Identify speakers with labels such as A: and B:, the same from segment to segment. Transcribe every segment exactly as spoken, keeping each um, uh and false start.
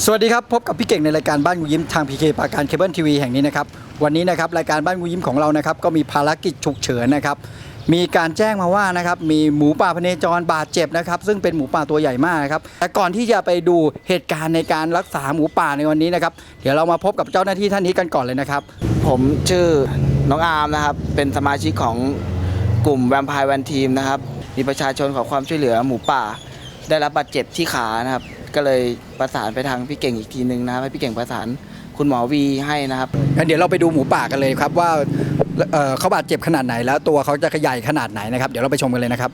A: สวัสดีครับพบกับพี่เก่งในรายการบ้านงูยิ้มทาง พี เค ปราการเคเบิลทีวีแห่งนี้นะครับวันนี้นะครับรายการบ้านงูยิ้มของเรานะครับก็มีภารกิจฉุกเฉินนะครับมีการแจ้งมาว่านะครับมีหมูป่าพเนจรบาดเจ็บนะครับซึ่งเป็นหมูป่าตัวใหญ่มากนะครับแต่ก่อนที่จะไปดูเหตุการณ์ในการรักษาหมูป่าในวันนี้นะครับเดี๋ยวเรามาพบกับเจ้าหน้าที่ท่านนี้กันก่อนเลยนะครับ
B: ผมชื่อน้องอาร์มนะครับเป็นสมาชิกของกลุ่มแวมไพร์แวนทีมนะครับมีประชาชนขอความช่วยเหลือหมูป่าได้รับบาดเจ็บที่ขานะครับก็เลยประสานไปทางพี่เก่งอีกทีนึงนะครับให้พี่เก่งประสานคุณหมอวีให้นะครับ
A: งั้นเดี๋ยวเราไปดูหมูป่ากันเลยครับว่าเอ่อเขาบาดเจ็บขนาดไหนแล้วตัวเขาจะใหญ่ขนาดไหนนะครับเดี๋ยวเราไปชมกันเลยนะครับ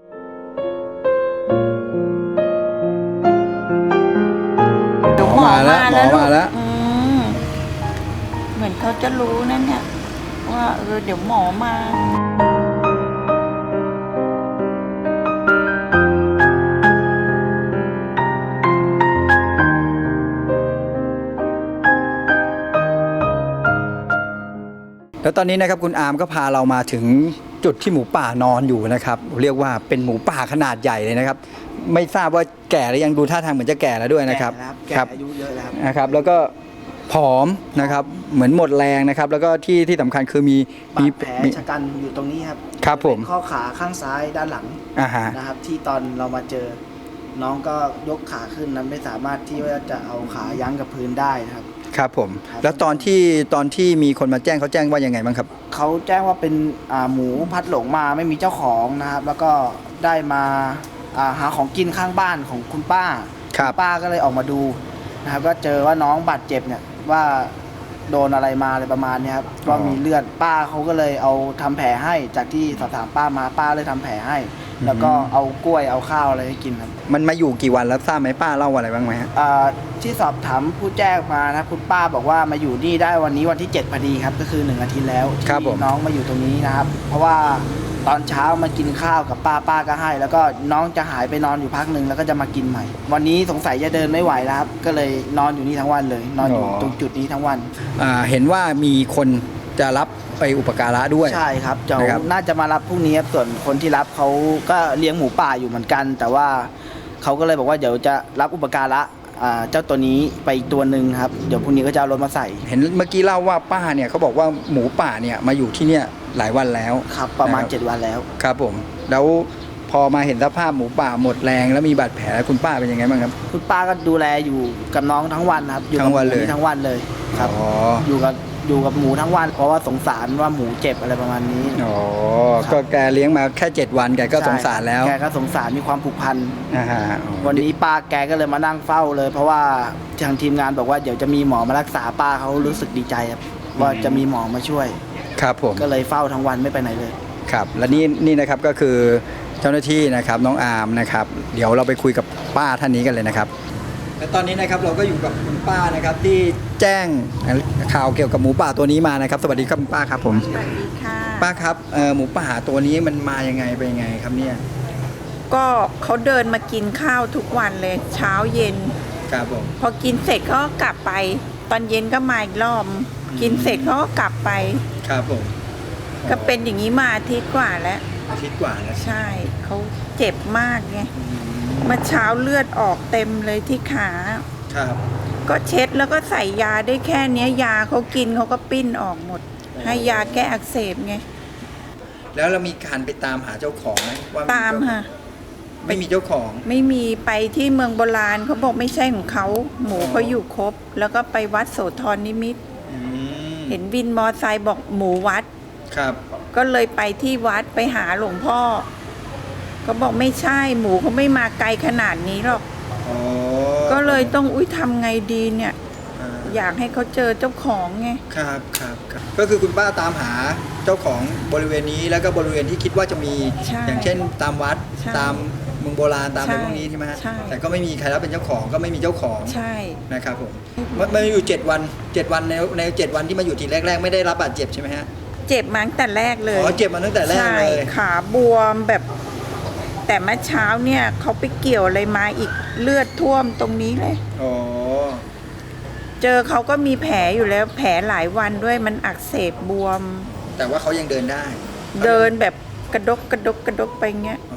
A: หมอมาแล้วหมอมาแล้ว
C: เหมือนเขาจะรู้นั่นเนี่ยว่าเออเดี๋ยวหมอมา
A: แล้วตอนนี้นะครับคุณอาร์มก็พาเรามาถึงจุดที่หมูป่านอนอยู่นะครับเรียกว่าเป็นหมูป่าขนาดใหญ่เลยนะครับไม่ทราบว่าแก่หรือยังดูท่าทางเหมือนจะแก่แล้วด้วยนะครับ
B: แก่อายุเยอะแล้ว
A: นะครับแล้วก็ผอมนะครับเหมือนหมดแรงนะครับแล้วก็ที่ที่สำคัญคือมี
B: มีแผลชะกันอยู่ตรงนี้ครับ
A: ครับผม
B: ข้อขาข้างซ้ายด้านหลังนะครับที่ตอนเรามาเจอน้องก็ยกขาขึ้นนั้นไม่สามารถที่ว่าจะเอาขายั้งกับพื้นได้นะครับ
A: ครับผมแล้วตอนที่ตอนที่มีคนมาแจ้งเขาแจ้งว่ายังไงบ้างครับ
B: เขาแจ้งว่าเป็นหมูพัดหลงมาไม่มีเจ้าของนะครับแล้วก็ได้มาหาของกินข้างบ้านของคุณป้า
A: ครับ
B: ป้าก็เลยออกมาดูนะครับก็เจอว่าน้องบาดเจ็บเนี่ยว่าโดนอะไรมาอะไรประมาณนี้ครับว่ามีเลือดป้าเขาก็เลยเอาทำแผลให้จากที่สอบถามป้ามาป้าเลยทำแผลให้แล้วก็เอากล้วยเอาข้าวอะไรให้กินครับ
A: มันมาอยู่กี่วันแล้วทราบไหมป้าเล่าอะไรบ้างไหมครับ
B: ที่สอบถามผู้แจ้งมานะคุณป้าบอกว่ามาอยู่นี่ได้วันนี้วันที่เจ็ดพอดีครับก็คือหนึ่งอาทิตย์แล้วที่น้องมาอยู่ตรงนี้นะครับเพราะว่าตอนเช้ามากินข้าวกับป้าป้าก็ให้แล้วก็น้องจะหายไปนอนอยู่พักหนึ่งแล้วก็จะมากินใหม่วันนี้สงสัยจะเดินไม่ไหวแล้วครับก็เลยนอนอยู่นี่ทั้งวันเลยนอนอยู่ตรงจุดนี้ทั้งวัน
A: เห็นว่ามีคนจะรับไปอุปการะด้วย
B: ใช่ครับเจ้าน่าจะมารับพรุ่งนี้ส่วนคนที่รับเขาก็เลี้ยงหมูป่าอยู่เหมือนกันแต่ว่าเขาก็เลยบอกว่าเดี๋ยวจะรับอุปการะเจ้าตัวนี้ไปอีกตัวหนึ่งครับเดี๋ยวพรุ่งนี้ก็จะเอารถมาใส่
A: เห็นเมื่อกี้เล่าว่าป้าเนี่ยเขาบอกว่าหมูป่าเนี่ยมาอยู่ที่เนี่ยหลายวันแล้ว
B: ครับประมาณเจ็ดวันแล้ว
A: ครับผมแล้วพอมาเห็นสภาพหมูป่าหมดแรงแล้วมีบาดแผลคุณป้าเป็นยังไงบ้างครับ
B: คุณป้าก็ดูแลอยู่กับน้องทั้งวันครับอยู่
A: ทั้งวันเลย
B: ทั้งวันเลยครับอยู่กับอยู่กับหมูทั้งวันเพราะว่าสงสารว่าหมูเจ็บอะไรประมาณนี้
A: อ๋อก็แกเลี้ยงมาแค่เจ็ดวันแกก็สงสารแล้ว
B: แกก็สงสารมีความผูกพันวันนี้ป้าแกก็เลยมานั่งเฝ้าเลยเพราะว่าทางทีมงานบอกว่าเดี๋ยวจะมีหมอมารักษาป้าเขารู้สึกดีใจครับว่าจะมีหมอมาช่วย
A: ครับผม
B: ก็เลยเฝ้าทั้งวันไม่ไปไหนเลย
A: ครับและนี่นี่นะครับก็คือเจ้าหน้าที่นะครับน้องอาร์มนะครับเดี๋ยวเราไปคุยกับป้าท่านนี้กันเลยนะครับและตอนนี้นะครับเราก็อยู่กับคุณป้านะครับที่แจ้งข่าวเกี่ยวกับหมูป่าตัวนี้มานะครับสวัสดีครับคุณป้าครับผม
C: สวัสดีค่ะ
A: ป้าครับหมูป่าตัวนี้มันมายังไงไปยังไงครับเนี่ย
C: ก็เขาเดินมากินข้าวทุกวันเลยเช้าเย็น
A: ครับผม
C: พอกินเสร็จเขาก็กลับไปตอนเย็นก็มาอีกรอบกินเสร็จเขาก็กลับไป
A: ครับผม
C: ก็เป็นอย่างนี้มาอาทิตย์กว่าแล้ว
A: อาทิตย์กว่าแล้ว
C: ใช่เขาเจ็บมากไงเมื่อเช้าเลือดออกเต็มเลยที่ขา
A: ครับ
C: ก็เช็ดแล้วก็ใส่ยาได้แค่นี้ยาเขากินเขาก็ปิ้นออกหมดให้ยาแก้อักเสบไง
A: แล้วเรามีการไปตามหาเจ้าของไหมว่า
C: ตามค่ะ
A: ไม่มีเจ้าของ
C: ไม่มีไปที่เมืองโบราณเขาบอกไม่ใช่ของเขาหมูเขาอยู่ครบแล้วก็ไปวัดโสธรนิมิตรเห็นวินมอไซค์บอกหมูวัด
A: ครับ
C: ก็เลยไปที่วัดไปหาหลวงพ่อก็บอกไม่ใช่หมูเขาไม่มาไกลขนาดนี้หรอกก็เลยต้องอุ้ยทำไงดีเนี่ยอยากให้เขาเจอเจ้าของไง
A: ครับครับก็คือคุณป้าตามหาเจ้าของบริเวณนี้แล้วก็บริเวณที่คิดว่าจะมีอย่างเช่นตามวัดตามเมืองโบราณตามอะไรพวกนี้ใช่ไหมฮะแต่ก็ไม่มีใครรับเป็นเจ้าของก็ไม่มีเจ้าของ
C: ใช่
A: นะครับผมมาอยู่เจ็ดวันเจ็ดวันในในเจ็ดวันที่มาอยู่ทีแรกๆไม่ได้รับบาดเจ็บใช่ไหมฮะ
C: เจ็บมาตั้งแต่แรกเลย
A: อ๋อเจ็บมาตั้งแต่แรกเลย
C: ขาบวมแบบแต่เมื่อเช้าเนี่ยเขาไปเกี่ยวอะไรมาอีกเลือดท่วมตรงนี้เลย
A: อ๋อ
C: เจอเขาก็มีแผลอยู่แล้วแผลหลายวันด้วยมันอักเสบบวม
A: แต่ว่าเขายังเดินได้
C: เดินแบบกระดกกระดกกระดกไปเงี้ย
A: อ๋อ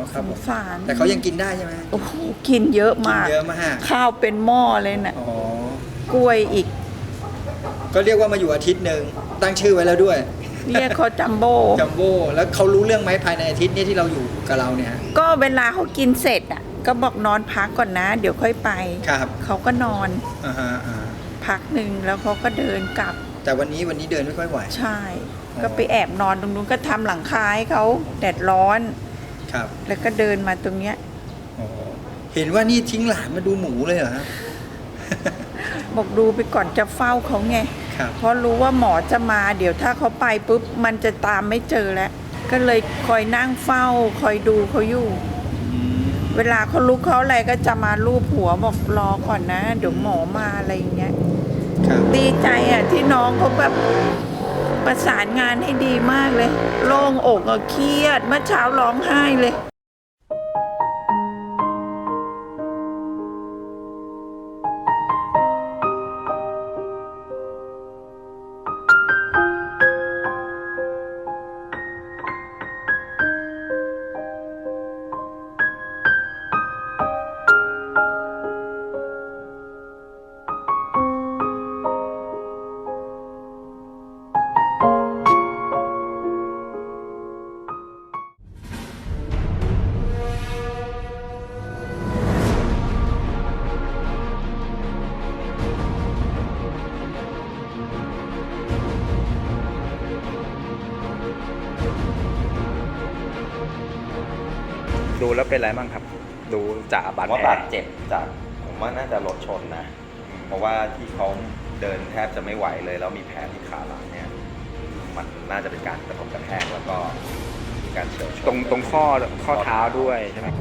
A: ครับ
C: ส
A: ผม
C: งสาร
A: แต่เขายังกินได้ใช่ไหม
C: โอ้โหกินเยอะ
A: กิน
C: มาก
A: เยอะมาก
C: ข้าวเป็นหม้อเลยน่ะ
A: อ๋อ
C: กล้วยอีก
A: ก็เรียกว่ามาอยู่อาทิตย์หนึ่งตั้งชื่อไว้แล้วด้วย
C: เรียกเขาจัมโบ้
A: จัมโบ้แล้วเขารู้เรื่องไหมภายในอาทิตย์นี้ที่เราอยู่กับเราเนี่ย
C: ก็เวลาเขากินเสร็จอ่ะ ก็บอกนอนพักก่อนนะ เดี๋ยวค่อยไป
A: ครับ
C: เขาก็นอน
A: อ่าฮะอ่า
C: พักหนึ่งแล้วเขาก็เดินกลับ
A: แต่วันนี้วันนี้เดินไม่ค่อยไหว
C: ใช่
A: อ๋อ
C: ก็ไปแอบนอนตรงนู้นก็ทำหลังคาให้เขาแดดร้อน
A: ครับ
C: แล้วก็เดินมาตรงเนี้ย
A: อ๋อเห็นว่านี่ทิ้งหลานมาดูหมูเลยเหรอครับ
C: บอกดูไปก่อนจะเฝ้าเขาไง
A: ครับ
C: เพราะรู้ว่าหมอจะมา เดี๋ยวถ้าเขาไปปุ๊บมันจะตามไม่เจอแล้ว ก็เลยคอยนั่งเฝ้า คอยดูเขาอยู่ เวลาเขาลุกเขาอะไรก็จะมาลูบหัวบอกรอก่อนนะ เดี๋ยวหมอมาอะไรอย่างเงี้ย
A: ครับ
C: ดีใจอ่ะที่น้องเขาแบบประสานงานให้ดีมากเลย โล่งอกอะเครียดเมื่อเช้าร้องไห้เลย
D: ดูแล้วเป็นไรบ้างครับ ดูจากบาด
E: ว่า
D: แผล
E: บาดเจ็บจากผมว่าน่าจะรถชนนะ เพราะว่าที่เขาเดินแทบจะไม่ไหวเลยแล้วมีแผลที่ขาหลังเนี่ยมันน่าจะเป็นการกระทบกระแทกแล้วก็มีการเฉียวชน
D: ตรงตรงข้อข้อเท้าด้วยใช่ไหม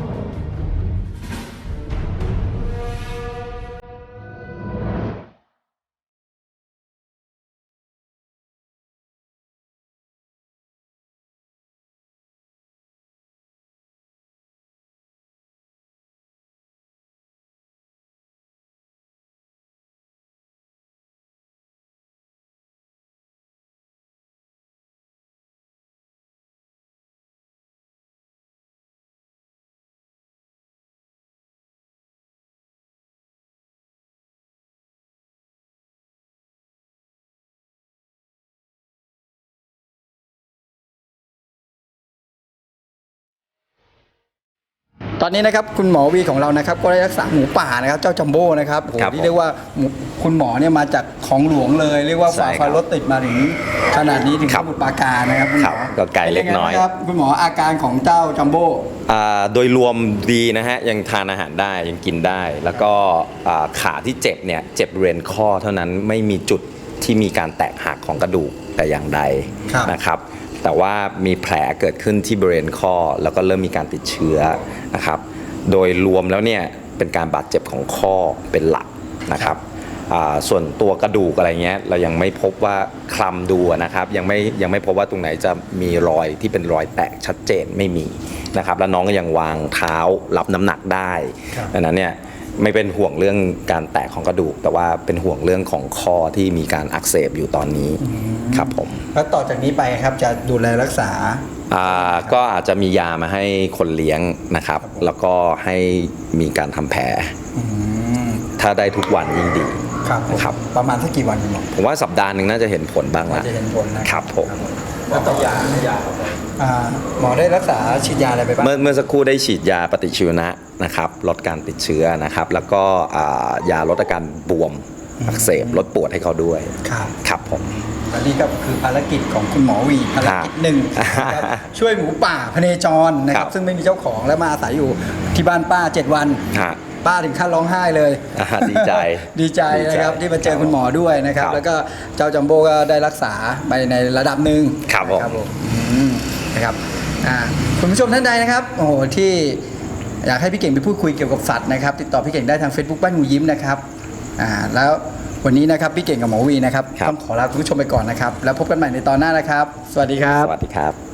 A: ตอนนี้นะครับคุณหมอวีของเรานะครับก็ได้รักษาหมูป่านะครับเจ้าจัมโบ้นะครับโอ้โห
E: ครับ
A: ที่เรียกว่าหมูคุณหมอเนี่ยมาจากของหลวงเลยเรียกว่า
E: ใช่
A: ฝ่า
E: ครับ
A: ฟันรถติดมาถึงขนาดนี้ถึง
E: ครั
A: ส
E: บ
A: มุทรปราการนะครับคุณหม
E: ครั
A: อบ
E: ก็ไกลเล็กน้อย
A: ป็ไงบ้างครับคุณหมออาการของเจ้าจัมโบ้
E: อ่าโดยรวมดีนะฮะยังทานอาหารได้ยังกินได้ แล้วก็อ่าขาที่เจ็บเนี่ยเจ็บบริเวณข้อเท่านั้นไม่มีจุดที่มีการแตกหักของกระดูกแต่อย่างใดนะครับแต่ว่ามีแผลเกิดขึ้นที่บริเวณข้อแล้วก็เริ่มมีการติดเชื้อนะครับโดยรวมแล้วเนี่ยเป็นการบาดเจ็บของข้อเป็นหลักนะครับอ่าส่วนตัวกระดูกอะไรเงี้ยเรายังไม่พบว่าคลำดูนะครับยังไม่ยังไม่พบว่าตรงไหนจะมีรอยที่เป็นรอยแตกชัดเจนไม่มีนะครับแล้วน้องก็ยังวางเท้ารับน้ำหนักได้ดังนั้นเนี่ยไม่เป็นห่วงเรื่องการแตกของกระดูก แต่ว่าเป็นห่วงเรื่องของข้อที่มีการอักเสบอยู่ตอนนี้ครับผม
A: แล้วต่อจากนี้ไปครับจะดูแลรักษา
E: อ่าก็อาจจะมียามาให้คนเลี้ยงนะครับ แล้วก็ให้มีการทำแผล
A: อืม
E: ถ้าได้ทุกวันยิ่งดี
A: ครับผม
E: ครับ
A: ประมาณสักกี่วันคุณหมอ
E: ผมว่าสัปดาห์หนึ่งน่าจะเห็นผลบ้าง
A: ว่า
E: ละ
A: จะเห็นผลนะครับ
E: ผม
A: แล้วต่อยาอ่าหมอได้รักษาฉีดยาอะไรไปบ้าง
E: เมื่อเมื่อสักครู่ได้ฉีดยาปฏิชีวนะนะครับลดการติดเชื้อนะครับ แล้วก็อ่ายาลดอาการบวมอักเสบลดปวดให้เขาด้วย
A: ครับ
E: ครับผม
A: อันนี้ก็คือภารกิจของคุณหมอวีภารกิจหนึ่งนะครับช่วยหมูป่าพเนจรนะค
E: ครั
A: รับบ ซึ่งไม่มีเจ้าของและมาอาศัยอยู่ที่บ้านป้าเจ็ดวัน
E: ฮะ
A: ป้าถึงขั้นร้องไห้เลย
E: อ่าดีใจ
A: ดีใจนะครับที่มาเจอคุณหมอด้วยนะครับ
E: ครับ
A: แล้วก็เจ้าจัมโบ้ก็ได้รักษาไปในระดับหนึ่ง
E: ครับผม
A: นะครับผมอืมนะครับอ่าคุณผู้ชมท่านใดนะครับโอ้โหที่อยากให้พี่เก่งไปพูดคุยเกี่ยวกับสัตว์นะครับ ติดต่อพี่เก่งได้ทาง Facebook บ้านงูยิ้มนะครับอ่าแล้ววันนี้นะครับพี่เก่งกับหมอวีนะครับ
E: ครับ
A: ต้องขอลาคุณผู้ชมไปก่อนนะครับ แล้วพบกันใหม่ในตอนหน้านะครับ สวัสดีครับ
E: สวัสดีครับ